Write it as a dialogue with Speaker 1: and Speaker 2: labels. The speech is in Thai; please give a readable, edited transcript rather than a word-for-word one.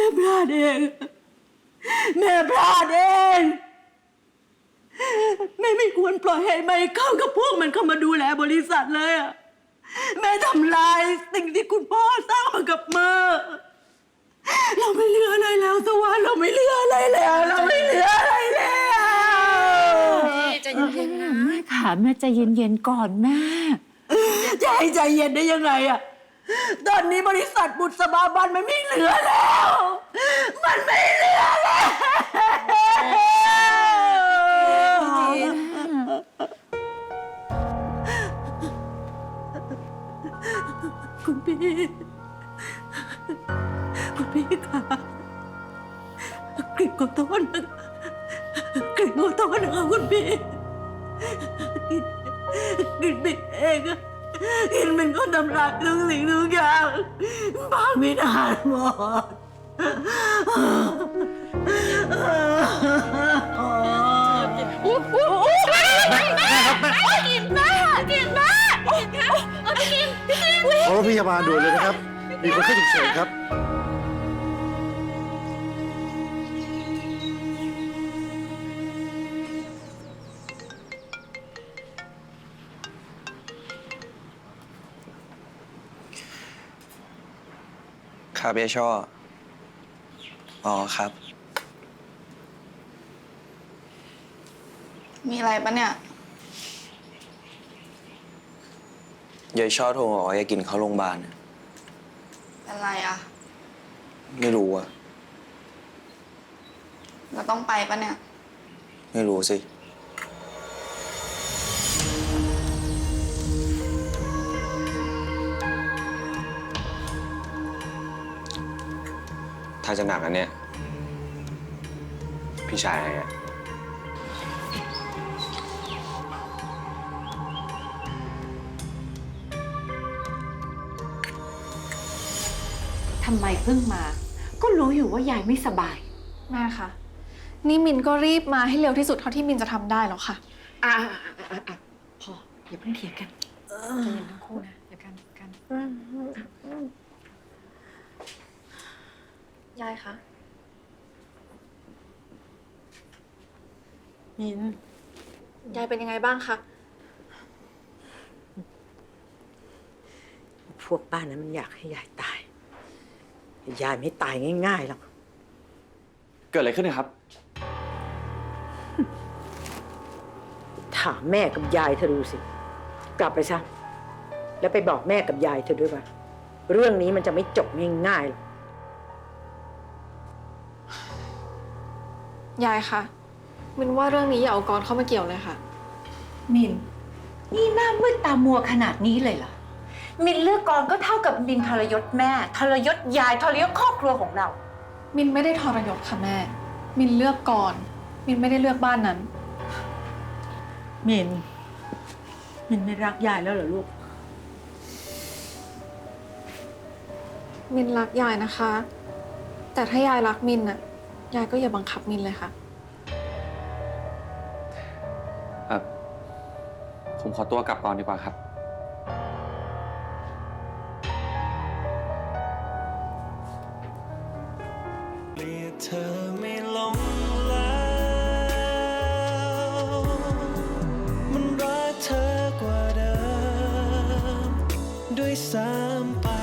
Speaker 1: พลาดเองแม่พลาดเองแม่ไม่ควรปล่อยให้ไมเคิลกับพวกมันเข้ามาดูแลบริษัทเลยอะแม่ทำลายสิ่งที่คุณพ่อสร้างมากับมือเราไม่เหลืออะไรแล้วสวรรค์เราไม่เหลืออะไรแล้วเราไม่เหลืออะไรแล้ว
Speaker 2: ใจเย็นๆนะ
Speaker 3: แม่ค่ะแม่ใจเย็นๆก่อนแม่
Speaker 1: จะให้ใจเย็นได้ยังไงอะตอนนี้บริษัทบุตรสบาบันมันไม่เหลือแล้วมันไม่เหลือแล้วคุณพี่ค่ะกลิ่นขอโทษนะกลิ่นขอโทษนะคะคุณพี่กลิ่นผิดเองอะกลิ่นมันก็ทำลายทุกสิ่งทุกอย่างบางวินาทีหมด
Speaker 4: ขอรถพยาบาลด่วนเลยนะครับ มีคนไข้ฉุกเฉินครับ
Speaker 5: ครับเบช่ออ๋อครับ
Speaker 2: มีอะไรปะเนี่ย
Speaker 5: ยายช่อโทรบอกว่าอยากกินเข้าโรงพยาบาล
Speaker 2: เป็นไรอะ
Speaker 5: ไม่รู้อะ
Speaker 2: เราต้องไปปะเนี่ย
Speaker 5: ไม่รู้สิถ้าจะหนักอันเนี้ยพี่ชายอะไรอะ
Speaker 3: ทำไมเพิ่งมาก็รู้อยู่ว่ายายไม่สบาย
Speaker 6: แม่คะนี่มินก็รีบมาให้เร็วที่สุดเท่าที่มินจะทำได้แล้วค่ะ
Speaker 3: พออย่าเพิ่งเถียงกันใจเย็นทั้งคู่นะอย่ากัน
Speaker 6: ยายคะ
Speaker 1: มิน
Speaker 6: ยายเป็นยังไงบ้างคะ
Speaker 1: พวกบ้านนั้นมันอยากให้ยายตายยายไม่ตายง่ายๆหรอก
Speaker 5: เกิดอะไรขึ้นนะครับ
Speaker 1: ถามแม่กับยายเธอดูสิกลับไปซะแล้วไปบอกแม่กับยายเธอด้วยว่าเรื่องนี้มันจะไม่จบง่ายๆหรอก
Speaker 6: ยายคะมินว่าเรื่องนี้อย่าเอากรเข้ามาเกี่ยวเลยค่ะ
Speaker 3: มินนี่หน้ามืดตามัวขนาดนี้เลยเหรอมินเลือกกรก็เท่ากับมินทรยศแม่ทรยศยายทรยศครอบครัวของเรา
Speaker 6: มินไม่ได้ทรยศค่ะแม่มินเลือกกรมินไม่ได้เลือกบ้านนั้น
Speaker 1: มินไม่รักยายแล้วเหรอลูก
Speaker 6: มินรักยายนะคะ แต่ถ้ายายรักมินน่ะยายก็อย่าบังคับมินเลยค่ะ
Speaker 5: ผมขอตัวกลับก่อนดีกว่าครับ
Speaker 7: เธอไม่ลงแล้วมันรักเธอกว่าเดิมด้วยซ้ำไป